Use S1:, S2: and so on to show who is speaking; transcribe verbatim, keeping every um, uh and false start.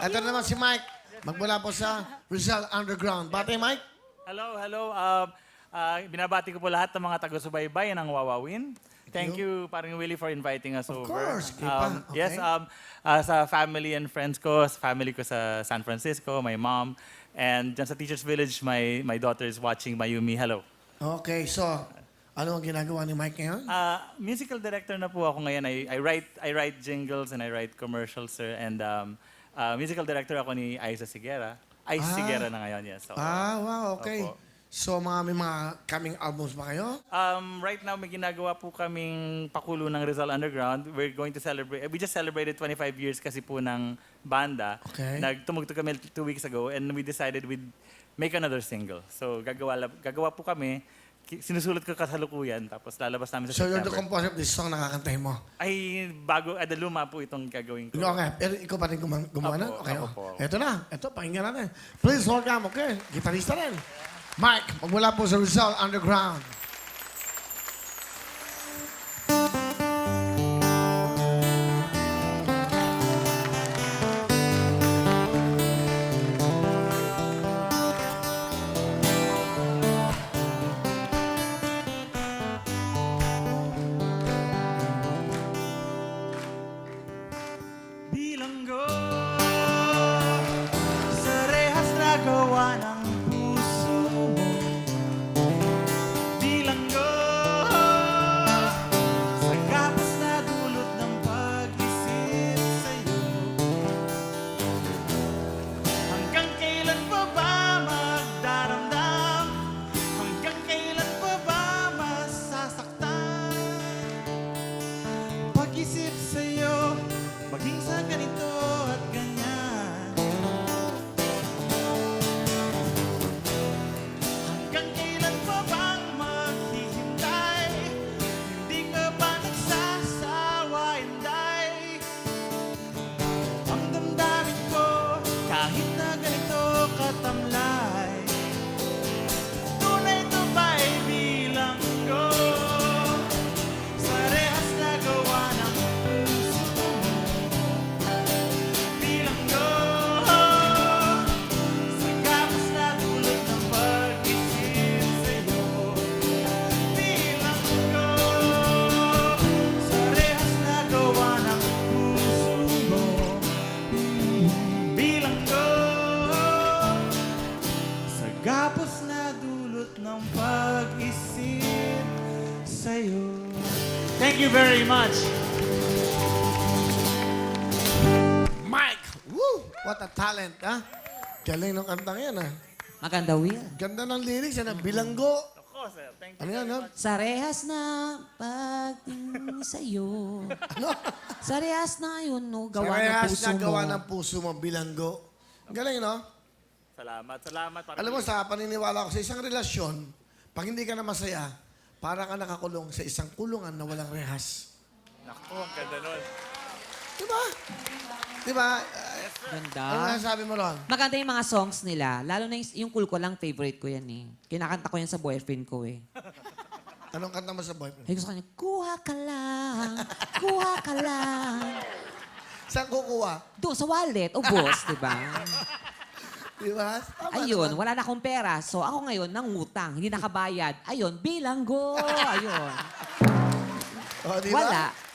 S1: Ito naman si Mike. Magmula po sa Rizal Underground. Bate, Mike?
S2: Hello, hello. Uh, uh, binabati ko po lahat ng mga taga-subaybay ng Wawawin. Thank you, Paring Willie, for inviting us
S1: Of
S2: over.
S1: course, Kipa.
S2: Um,
S1: Okay.
S2: Yes, um, uh, sa family and friends ko, sa family ko sa San Francisco, my mom, and dyan sa Teachers Village, my, my daughter is watching Mayumi. Hello.
S1: Okay, so, ano ang ginagawa ni Mike ngayon?
S2: Uh, musical director na po ako ngayon. I, I write I write jingles and I write commercials, sir. And um, uh, musical director ako ni Aiza Sigera. Aiza
S1: Ah.
S2: Sigera na ngayon, yes. So,
S1: Ah, wow, okay.
S2: Opo.
S1: So, mga may mga coming albums ba kayo?
S2: Um, right now, may ginagawa po kaming pakulo ng Rizal Underground. We're going to celebrate, we just celebrated twenty-five years kasi po ng banda.
S1: Okay.
S2: Nagtumugtog kami two weeks ago and we decided we'd make another single. So gagawa, lab- gagawa po kami, Ki- sinusulat ko kasalukuyan, tapos lalabas namin sa
S1: So, you're the
S2: September.
S1: composer of this song na kakantahin mo?
S2: Ay, bago, ada luma po itong gagawin ko.
S1: Ikaw nga, pero ikaw pa rin guma- gumawa na?
S2: Apo,
S1: Okay,
S2: ako
S1: oh.
S2: po.
S1: Ito na, ito, pakinggan natin. Please welcome, okay, gitarista rin. Mike, magmula po sa Rizal Underground.
S2: Bilanggo sa rehas na gawa ng puso mo. Bilanggo sa kapos na dulot ng pag-isip sa'yo. Hanggang kailan pa ba magdaramdam? Hanggang kailan pa ba masasaktan? Pag-isip sa'yo, maging sa ganito at ganyan. Hanggang kailan pa bang maghihintay? Hindi ka ba nagsasawa, Inday? Ang damdamin ko, kahit na ganito katamlay. Tunay to ba'y bilanggo sa rehas na gawa ng puso mo? Bilanggo sa kapos na dulot ng pag-isip sa'yo. Bilanggo sa rehas na gawa ng puso mo. Bilanggo sa gapos na dulot ng pag-isip sa'yo. Thank you very much.
S1: Mike! Woo! What a talent, ha? Galing ng kantang yan, ha?
S3: Maganda, Will.
S1: Ganda ng lyrics, yan, ha? Bilanggo.
S2: Ako, sir. Thank you.
S1: Ano yan, ha?
S3: Sa rehas na pagtingin sa'yo.
S1: Ano?
S3: Sa rehas na yun, no, gawa ng
S1: Parehas
S3: puso
S1: na
S3: mo.
S1: gawa ng puso mo, bilanggo. Galing, no?
S2: Salamat, salamat. Parang
S1: Alam mo, sa paniniwala ko, sa isang relasyon, pag hindi ka na masaya, para ka nakakulong sa isang kulungan na walang rehas.
S2: Naku, ang ganda nun.
S1: Diba? Diba?
S3: Ganda.
S1: Ano sabi mo ron?
S3: Maganda yung mga songs nila. Lalo na yung, yung Cool Ko Lang, favorite ko yan eh. Kinakanta ko yan sa boyfriend ko eh.
S1: Anong kanta mo sa boyfriend?
S3: Sabi ko sa kanya, kuha ka lang, kuha ka lang.
S1: Saan kukuha?
S3: Doon sa wallet, o boss, di ba?
S1: Diba? Tama
S3: Ayun,
S1: naman.
S3: wala na akong pera. So ako ngayon, nangutang, hindi nakabayad. Ayun, bilanggo. Ayun.
S1: O, diba?
S3: Wala.